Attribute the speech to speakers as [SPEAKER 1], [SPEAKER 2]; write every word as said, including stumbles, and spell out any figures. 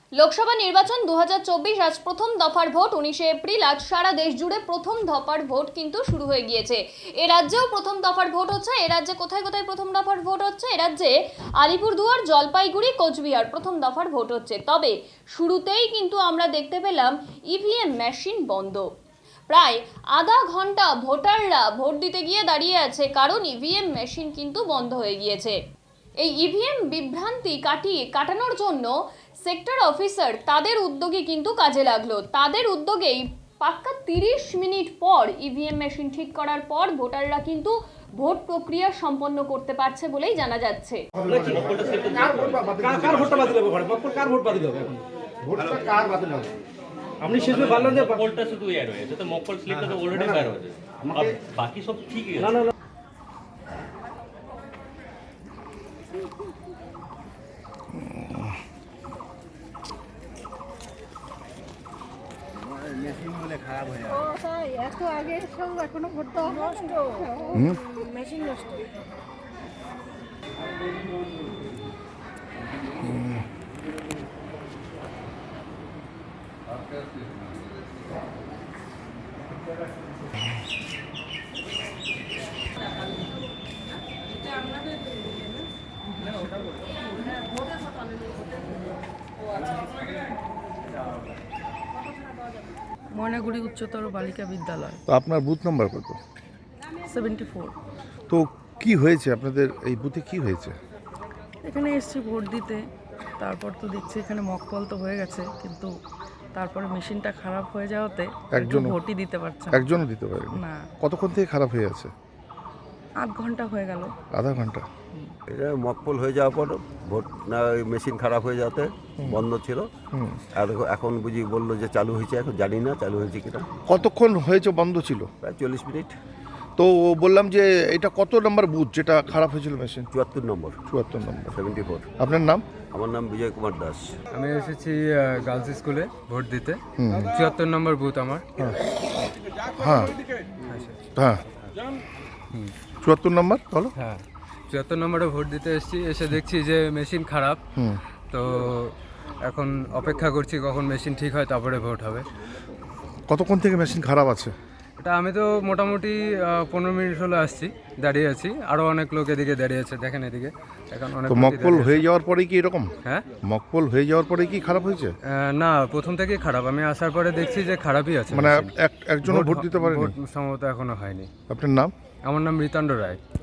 [SPEAKER 1] লোকসভা নির্বাচন দু হাজার চব্বিশ আজ প্রথম দফার ভোট উনিশে এপ্রিল। আজ সারা দেশ জুড়ে প্রথম দফার ভোট কিন্তু শুরু হয়ে গিয়েছে। এ রাজ্যেও প্রথম দফার ভোট হচ্ছে। এ রাজ্যে কোথায় কোথায় প্রথম দফার ভোট হচ্ছে? এ রাজ্যে আলিপুরদুয়ার, জলপাইগুড়ি, কোচবিহার প্রথম দফার ভোট হচ্ছে। তবে শুরুতেই কিন্তু আমরা দেখতে পেলাম ইভিএম মেশিন বন্ধ। প্রায় আধা ঘন্টা ভোটাররা ভোট দিতে গিয়ে দাঁড়িয়ে আছে, কারণ ইভিএম মেশিন কিন্তু বন্ধ হয়ে গিয়েছে। এই ইভিএম বিভ্রান্তি কাটিয়ে কাটানোর জন্য সেক্টর অফিসার তাদের উদ্যোগে কিন্তু কাজে লাগলো। তাদের উদ্যোগেই পাক্কা তিরিশ মিনিট পর ইভিএম মেশিন ঠিক করার পর ভোটাররা কিন্তু ভোট প্রক্রিয়া সম্পন্ন করতে পারছে বলেই জানা যাচ্ছে।
[SPEAKER 2] আপনি শেষে বললেন যে মকপলটা শুধু এর হয়েছে, তো মকপল স্লিপটা তো অলরেডি বের হয়েছে, আর বাকি সব ঠিকই আছে। না না
[SPEAKER 3] মেশিন বলে খারাপ হয়ে
[SPEAKER 4] ও তাই এত আগে সব এখনো ভোট দেওয়া নষ্ট, মেশিন নষ্ট।
[SPEAKER 5] ময়নাগুড়ি উচ্চতর বালিকা বিদ্যালয়।
[SPEAKER 6] তো আপনার বুথ নাম্বার কত?
[SPEAKER 5] Seventy four.
[SPEAKER 6] তো কি হয়েছে আপনাদের এই বুথে, কি হয়েছে?
[SPEAKER 5] এখানে এসছি ভোট দিতে, তারপর তো দেখছি এখানে মকপল তো হয়ে গেছে, কিন্তু তারপরে মেশিনটা খারাপ হয়ে যাওয়াতে একজন
[SPEAKER 6] একজনও-
[SPEAKER 5] ভোটই দিতে পারছে না।
[SPEAKER 6] একজনও দিতে পারেনি?
[SPEAKER 5] না,
[SPEAKER 6] কতক্ষণ থেকে খারাপ হয়ে আছে?
[SPEAKER 5] আধ ঘন্টা হয়ে গেল।
[SPEAKER 6] আধা ঘন্টা।
[SPEAKER 7] এটা মকপল হয়ে যাওয়ার পর ভোট না মেশিন খারাপ হয়ে যাতে বন্ধ ছিল।
[SPEAKER 6] হুম।
[SPEAKER 7] আর এখন বুঝি বললো যে চালু হয়েছে, এখন জানি না চালু হয়েছে কিনা।
[SPEAKER 6] কতক্ষণ হয়েছে বন্ধ ছিল?
[SPEAKER 7] প্রায় চল্লিশ মিনিট।
[SPEAKER 6] তো বললাম যে এটা কত নম্বর বুথ যেটা খারাপ হয়েছিল মেশিন?
[SPEAKER 7] চুয়াত্তর নম্বর,
[SPEAKER 6] চুয়াত্তর নম্বর।
[SPEAKER 7] Seventy four.
[SPEAKER 6] আপনার নাম?
[SPEAKER 7] আমার নাম বিজয় কুমার দাস।
[SPEAKER 8] আমি এসেছি গার্লস স্কুলে ভোট দিতে। চুয়াত্তর নম্বর বুথ আমার।
[SPEAKER 6] হ্যাঁ হ্যাঁ চুয়াত্তর নম্বর বলো।
[SPEAKER 8] হ্যাঁ, চুয়াত্তর নম্বরে ভোট দিতে এসেছি। এসে দেখছি যে মেশিন খারাপ।
[SPEAKER 6] হুম।
[SPEAKER 8] তো এখন অপেক্ষা করছি কখন মেশিন ঠিক হয়, তারপরে ভোট হবে।
[SPEAKER 6] কতক্ষণ থেকে মেশিন খারাপ আছে?
[SPEAKER 8] এটা আমি তো মোটামুটি পনেরো মিনিট হলো আসছি, দাঁড়িয়ে আছি। আরও অনেক লোক এদিকে দাঁড়িয়ে আছে, দেখেন এদিকে। এখন অনেক
[SPEAKER 6] তো
[SPEAKER 8] লোকই
[SPEAKER 6] মকপল
[SPEAKER 8] দাঁড়িয়ে আছে।
[SPEAKER 6] হয়ে যাওয়ার পরেই কি এরকম?
[SPEAKER 8] হ্যাঁ,
[SPEAKER 6] মকপল হয়ে যাওয়ার পরে কি খারাপ হয়েছে?
[SPEAKER 8] আহ, না, প্রথম থেকেই খারাপ। আমি আসার পরে দেখছি যে খারাপই আছে
[SPEAKER 6] মানে
[SPEAKER 8] machine।
[SPEAKER 6] এক একজনও ভোট দিতে পারেনি?
[SPEAKER 8] ভোট সম্ভবত এখনো হয়নি।
[SPEAKER 6] আপনার নাম?
[SPEAKER 8] আমার নাম রিতান্ড রায়।